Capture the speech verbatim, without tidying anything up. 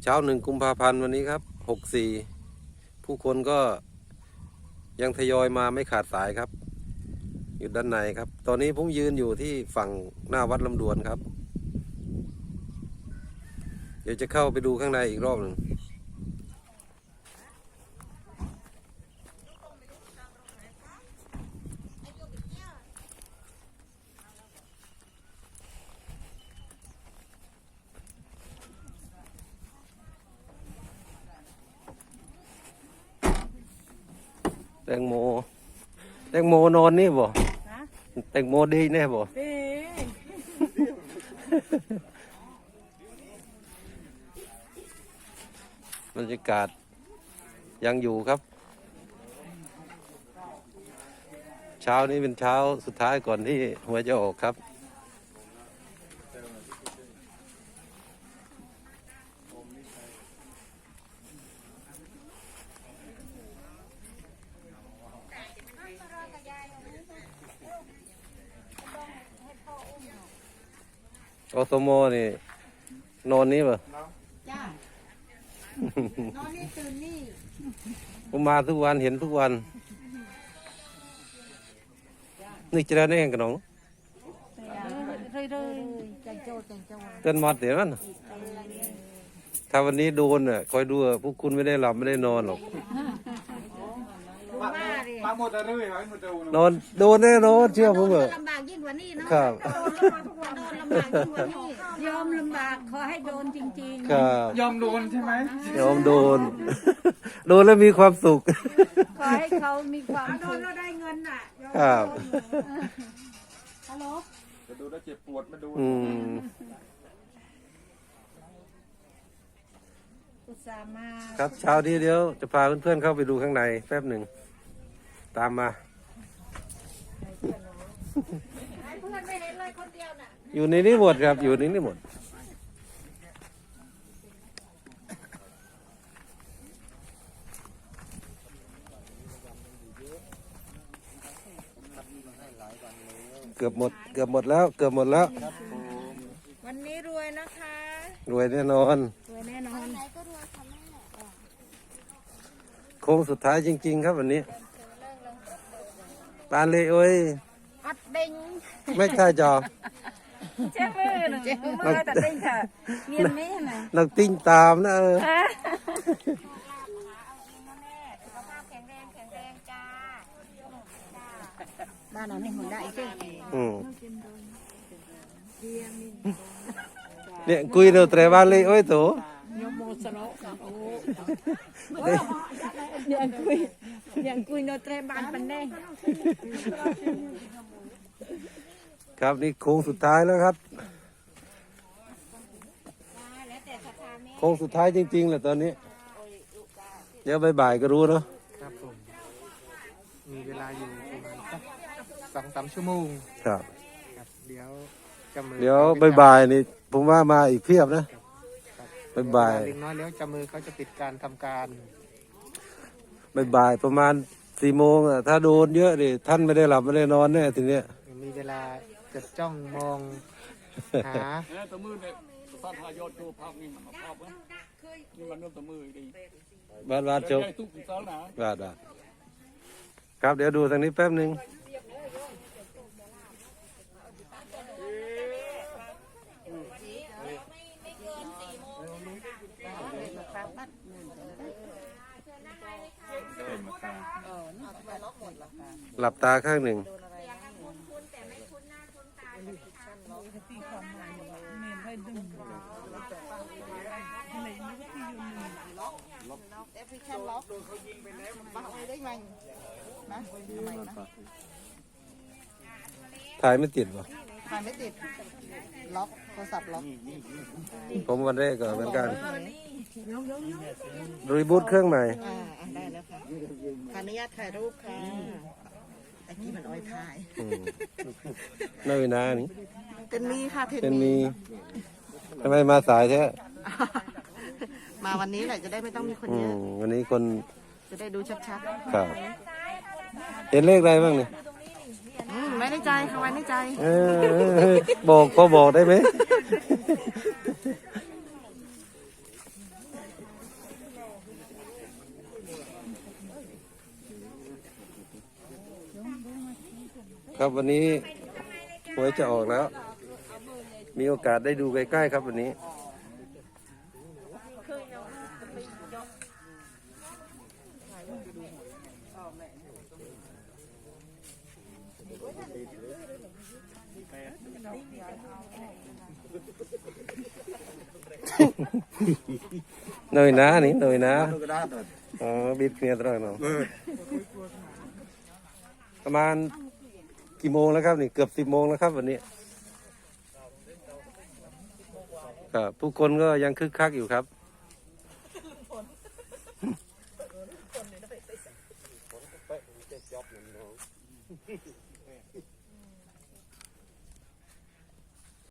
ช้าหนึ่งกุมภาพันธ์วันนี้ครับหกสี่ผู้คนก็ยังทยอยมาไม่ขาดสายครับอยู่ด้านในครับตอนนี้ผมยืนอยู่ที่ฝั่งหน้าวัดลำดวนครับเดี๋ยวจะเข้าไปดูข้างในอีกรอบหนึ่งแตงโมแตงโมนอนนี่บ่แตงโมดีแน่บ่บรรยากาศยังอยู่ครับเช้านี้เป็นเช้าสุดท้ายก่อนที่หัวจะออกครับอสมนี่นอนนี่ป่ะจ้านอนนี่ตื่นนี่ผมมาทุกวันเห็นทุกวันนี่จะได้แน่กันน้องเต้นมาเดี๋ยวนั้นถ้าวันนี้โดนอ่ะคอยดูพวกคุณไม่ได้หลับไม่ได้นอนหรอกนอนโดนแน่นอนเชื่อผมเถอะลำบากยิ่งกว่านี้นะครับโดนลำบากยิ่งกว่านี้ยอมลำบากขอให้โดนจริงๆครับยอมโดนใช่ไหมยอมโดนโดนแล้วมีความสุขขอให้เขามีความโดนแล้วได้เงินอ่ะครับฮัลโหลจะดูแล้วเจ็บปวดมาดูอืมครับเช้านี้เดี๋ยวจะพาเพื่อนๆเข้าไปดูข้างในแป๊บหนึ่งตามมาอยู่ในนี้หมดครับอยู่ในนี้หมดเกือบหมดเกือบหมดแล้วเกือบหมดแล้ววันนี้รวยนะคะรวยแน่นอนรวยแน่นอนโค้งสุดท้ายจริงๆครับวันนี้ปานเลยโอ้ยอัดดิงไม่ใช่จอเจ้ามือหนึ่งมือตัดดิงค่ะเมียนไม่ไหนนักติ้งตามนะเออบ้านเราไม่หุ่นได้ใช่ไหมอืมเนี่ยคุยเรื่องแต่บ้านเลยโอ้ยโตยังคุยยังคุยโนเตรบานปันแดงครับนี่โค้งสุดท้ายแล้วครับโค้งสุดท้ายจริงๆแหละตอนนี้เดี๋ยวบ่ายๆก็รู้เนาะครับผมมีเวลาอยู่ประมาณสักสองสามชั่วโมงครับเดี๋ยวจำมือเดี๋ยวบ่ายๆนี่ผมว่ามาอีกเพียบนะบ่ายๆเล็กน้อยแล้วจำมือเขาจะปิดการทำการบ่ายๆประมาณสี่โมงอ่ะถ้าโดนเยอะดิท่านไม่ได้หลับไม่ได้นอนแน่ทีเนี้ยมีเวลาจะจ้องมองหาตะมือเนี่ยสาธายอดตัวภาพนี่มันภาพนะนี่มันเริ่มตะมือดีบ้านบ้านจบทุกสิ่งสารนะบ้านบ้านครับเดี๋ยวดูทางนี้แป๊บหนึ่งหลับตาข้างหนึ่งถ่ายไม่ติดวะถ่ายไม่ติดล็อกโทรศัพท์ล็อกผมวันแรกก็เหมือนกันรีบูตเครื่องใหม่อ่าได้แล้วค่ะขออนุญาตถ่ายรูปค่ะไอ้ที่มันอ้อยถ่ายน่าวินานี่เป็นมีค่ะเป็นมีทำไมมาสายแท้มาวันนี้แหละจะได้ไม่ต้องมีคนเยอะวันนี้คนจะได้ดูชัดๆครับเห็นเลขอะไรบ้างเนี่ยไม่ได้ใจค่ะไว้ในใจบอกพอบอกได้ไหมครับวันนี้หวยจะออกแล้ว มีโอกาสได้ดูใกล้ๆครับวันนี้ เนยนะนี่เนยนะอ๋อบิดเนี่ยตลอดเนาะประมาณกี่โมงแล้วครับนี่เกือบสิบโมงแล้วครับวันนี้ครับผู้คนก็ยังคึกคักอยู่ครับ